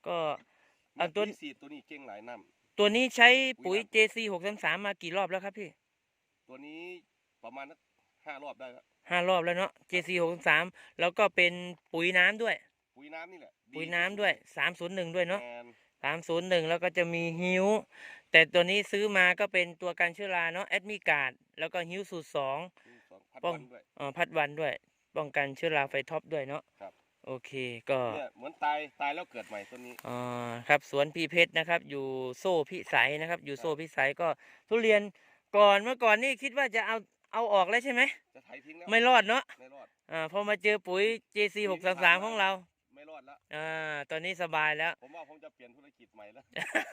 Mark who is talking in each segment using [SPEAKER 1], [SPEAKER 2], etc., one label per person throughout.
[SPEAKER 1] ก็
[SPEAKER 2] ตัวสีตัวนี้เก่งหลายน้ำ
[SPEAKER 1] ตัวนี้ใช้ปุ๋ย JC 633มากี่รอบแล้วครับพี่
[SPEAKER 2] ตัวนี้ประมาณ5 รอบได้แล้ว
[SPEAKER 1] 5 รอบแล้วเนาะ JC 633แล้วก็เป็นปุ๋ยน้ำด้วย
[SPEAKER 2] ปุ๋ยน้ำนี่แหละ
[SPEAKER 1] ปุ๋ยน้ำด้วย301ด้วยเนาะ301แล้วก็จะมีฮิวแต่ตัวนี้ซื้อมาก็เป็นตัวกันเชื้อราเนาะแอดมิการ์ดแล้วก็ฮิวสูตร2ป้องพัดวันด้วยป้องกันเชื้อราไฟท็อปด้วยเนาะโอเคก็
[SPEAKER 2] เนี่ยเหมือนตายแล้วเกิดใหม่ตัวนี้
[SPEAKER 1] ครับสวนพี่เพชรนะครับอยู่โซ่พิสัยนะครับอยู่โซ่พิสัยก็ทุเรียนเมื่อก่อนนี่คิดว่าจะเอาออกแล้วใช่ไหม
[SPEAKER 2] จะไถทิ้งแล้ว
[SPEAKER 1] ไม่รอดเนาะ
[SPEAKER 2] ไม่รอด
[SPEAKER 1] พอมาเจอปุ๋ย JC 633ของเรา
[SPEAKER 2] ไม่รอดแล้ว
[SPEAKER 1] ตอนนี้สบายแล้ว
[SPEAKER 2] ผมว่าผมจะเปลี่ยนธุรกิจใหม่แล้ว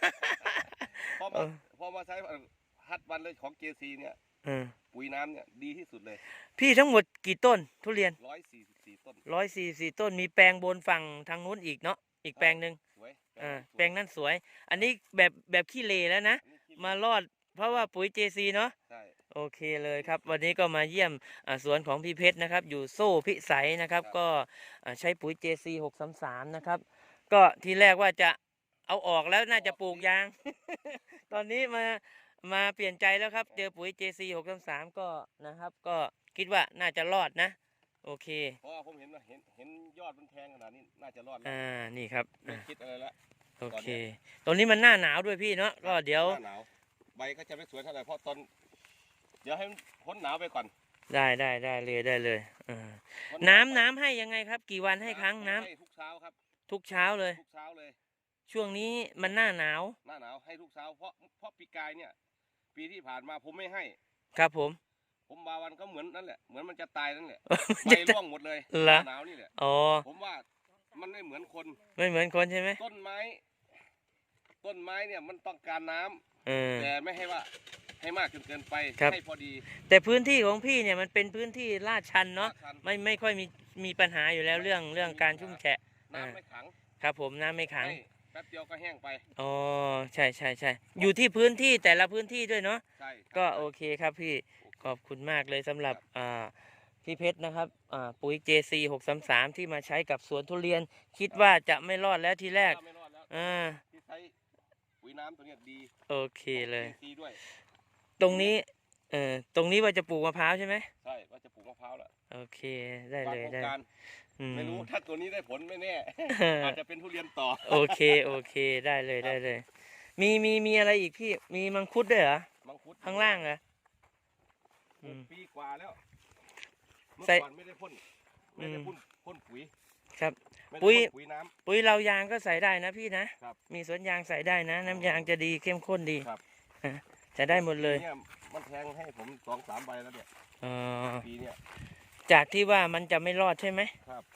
[SPEAKER 2] พอมาใช้ฮัดวันเลยของ JC เนี่ยปุ๋ยน้ำเนี่ยดีที่สุดเลย
[SPEAKER 1] พี่ทั้งหมดกี่ต้นทุเรียน
[SPEAKER 2] 144 ต้น
[SPEAKER 1] 144 ต้นมีแปลงบนฝั่งทางนู้นอีกเนาะอีกแปลงหนึ่งแปลงนั้นสวยอันนี้แบบขี้เลแล้วนะมารอดเพราะว่าปุ๋ย JC เนาะโอเคเลยครับวันนี้ก็มาเยี่ยมสวนของพี่เพชรนะครับอยู่โซ่พิสัยนะครับก็ใช้ปุ๋ย JC 633นะครับก็ทีแรกว่าจะเอาออกแล้วน่าจะปลูกยาง ตอนนี้มาเปลี่ยนใจแล้วครับเจอปุ๋ย JC 633ก็นะครับก็คิดว่าน่าจะรอดนะโอเค
[SPEAKER 2] เพราะว่าผมเห็นยอดมันแทงขนาดนี้น่าจะรอดแล้ว
[SPEAKER 1] นี่ครับ
[SPEAKER 2] ไม่คิดอะไรละ
[SPEAKER 1] โอเคตอนนี้มันหน้าหนาวด้วยพี่เนาะก็เดี๋ยว
[SPEAKER 2] หน้าหนาวใบก็จะไม่สวยเท่าไหร่เพราะเดี๋ยวให้พ้นหนาวไปก่อน
[SPEAKER 1] ได้เลยน้ำให้ยังไงครับกี่วันให้ครั้งน้
[SPEAKER 2] ำทุกเช้าครับ
[SPEAKER 1] ทุกเช้าเลยช่วงนี้มันหน้าหนาว
[SPEAKER 2] ให้ทุกเช้าเพราะปีกายเนี่ยปีที่ผ่านมาผมไม่ให้
[SPEAKER 1] ครับผม
[SPEAKER 2] มาวันก็เหมือนนั่นแหละเหมือนมันจะตายนั่นแหละใบร่วงหมดเลยหนาวนี่แหละผมว่ามันไม่เหมือนคน
[SPEAKER 1] ใช่ไหม
[SPEAKER 2] ต้นไม้เนี่ยมันต้องการน้ำแต่ไม่ให้ว่าให้มากจนเกินไปให้พอดี
[SPEAKER 1] แต่พื้นที่ของพี่เนี่ยมันเป็นพื้นที่ลาดชันเนาะไม่ค่อยมีปัญหาอยู่แล้วเรื่องการชุ่มแฉะ
[SPEAKER 2] น้ำไม่ขัง
[SPEAKER 1] ครับผมน้ำไม่ขัง
[SPEAKER 2] แป๊บเดียวก็แห้งไป
[SPEAKER 1] ใช่อยู่ที่พื้นที่แต่ละพื้นที่ด้วยเนาะก็โอเคครับพี่ขอบคุณมากเลยสำหรับพี่เพชรนะครับปุ๋ย JC 633ที่มาใช้กับสวนทุเรียนคิดว่าจะไม่รอดแล้วทีแรก
[SPEAKER 2] ที่ใช้ปุ๋ยน้ำตัวนี้ดี
[SPEAKER 1] โอเคเลยตรงนี้ว่าจะปลูกมะพร้าวใช่ไหม
[SPEAKER 2] ใช่ว่าจะปลูกมะพร้าวแล้ว
[SPEAKER 1] โอเคได้เลย
[SPEAKER 2] ไม่รู้ถ้าตัวนี้ได้ผลไม่แน่อาจจะเป็นทุเรียนต่อ
[SPEAKER 1] โอเคได้เลยมีอะไรอีกพี่มีมังคุดด้วยเหรอ
[SPEAKER 2] มังคุด
[SPEAKER 1] ข้างล่างเหรอ
[SPEAKER 2] ปีกว่าแล้วเมื่อก่อนไม่ได้พ่นปุ๋ย
[SPEAKER 1] ครับ
[SPEAKER 2] ปุ๋ยน้ำ
[SPEAKER 1] ปุ๋ยเรายางก็ใส่ได้นะพี่นะมีสวนยางใส่ได้นะน้ำยางจะดีเข้มข้นดีจะได้หมดเลย
[SPEAKER 2] มันแทงให้ผม2-3 ใบแล้วเนี่ยปีเนี้ย
[SPEAKER 1] จากที่ว่ามันจะไม่รอดใช่ไหม
[SPEAKER 2] ครับ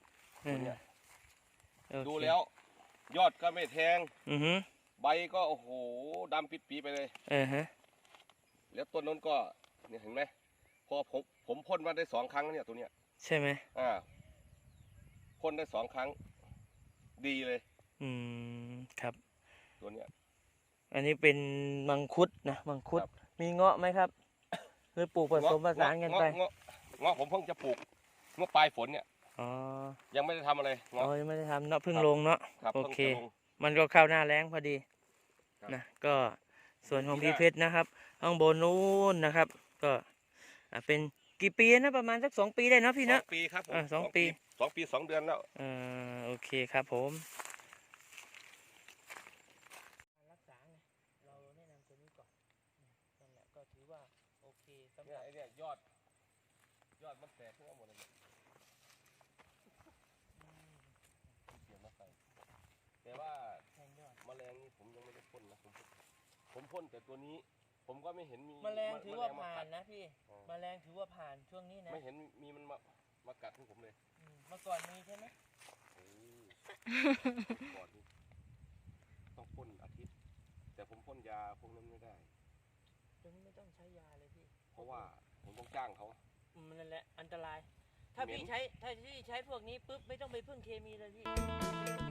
[SPEAKER 2] ดูแล้วยอดก็ไม่แทงใบก็โอ้โหดำปิดปีไปเลยแล้วต้นนั้นก็เนี่ยเห็นไหมพอผมพ่นมาได้2 ครั้งเนี่ยตัวเนี้ย
[SPEAKER 1] ใช่ไหม
[SPEAKER 2] พ่นได้2 ครั้งดีเลย
[SPEAKER 1] ครับ
[SPEAKER 2] ตัวเนี้ย
[SPEAKER 1] อันนี้เป็นมังคุดนะมังคุดมีเงาะไหมครับหรือปลูกผสมผสานกันไป
[SPEAKER 2] เงาะผมเพิ่งจะปลูกเมื่อปลายฝนเนี่ยยังไม่ได้ทำอะไร
[SPEAKER 1] ยังไม่ได้ทำเนาะเพิ่งลงเนาะโอเคมันก็เข้าหน้าแล้งพอดีนะก็ส่วนของพี่เพชรนะครับข้างบนนู้นนะครับก็เป็นกี่ปีนะประมาณสัก2 ปีได้เนาะพี่เนาะ
[SPEAKER 2] 2 ปีครับ
[SPEAKER 1] 2 ปี
[SPEAKER 2] 2 เดือนแล้ว
[SPEAKER 1] โอเคครับผมรักษาเราแนะนำตัวนี้ก่อนนั่นแหละก็ถือว่าโอเคสำหรับ
[SPEAKER 2] เนี่ยยอดมันแตกทั่วหมดเลยแต่ว่าแมลงนี่ผมยังไม่ได้พ่นนะผมพ่นแต่ตัวนี้ผมก็ไม่เห็นมี
[SPEAKER 1] แมลงถือว่าผ่านนะพี่แมลงถือว่าผ่านช่วงนี้นะ
[SPEAKER 2] ไม่เห็นมีมันมากัดของผมเลย
[SPEAKER 1] เมื่อก่อนมีใช่ไหม
[SPEAKER 2] ก่อนนี้ต้องพ่นอาทิตย์แต่ผมพ่นยาพวกนั้นไม่ได้
[SPEAKER 1] ตรงนี้ไม่ต้องใช้ยาเลยพี่
[SPEAKER 2] เพราะว่าผมต้องจ้างเขา
[SPEAKER 1] นั่นแหละอันตรายถ้าพี่ใช้พวกนี้ปุ๊บไม่ต้องไปพึ่งเคมีเลยพี่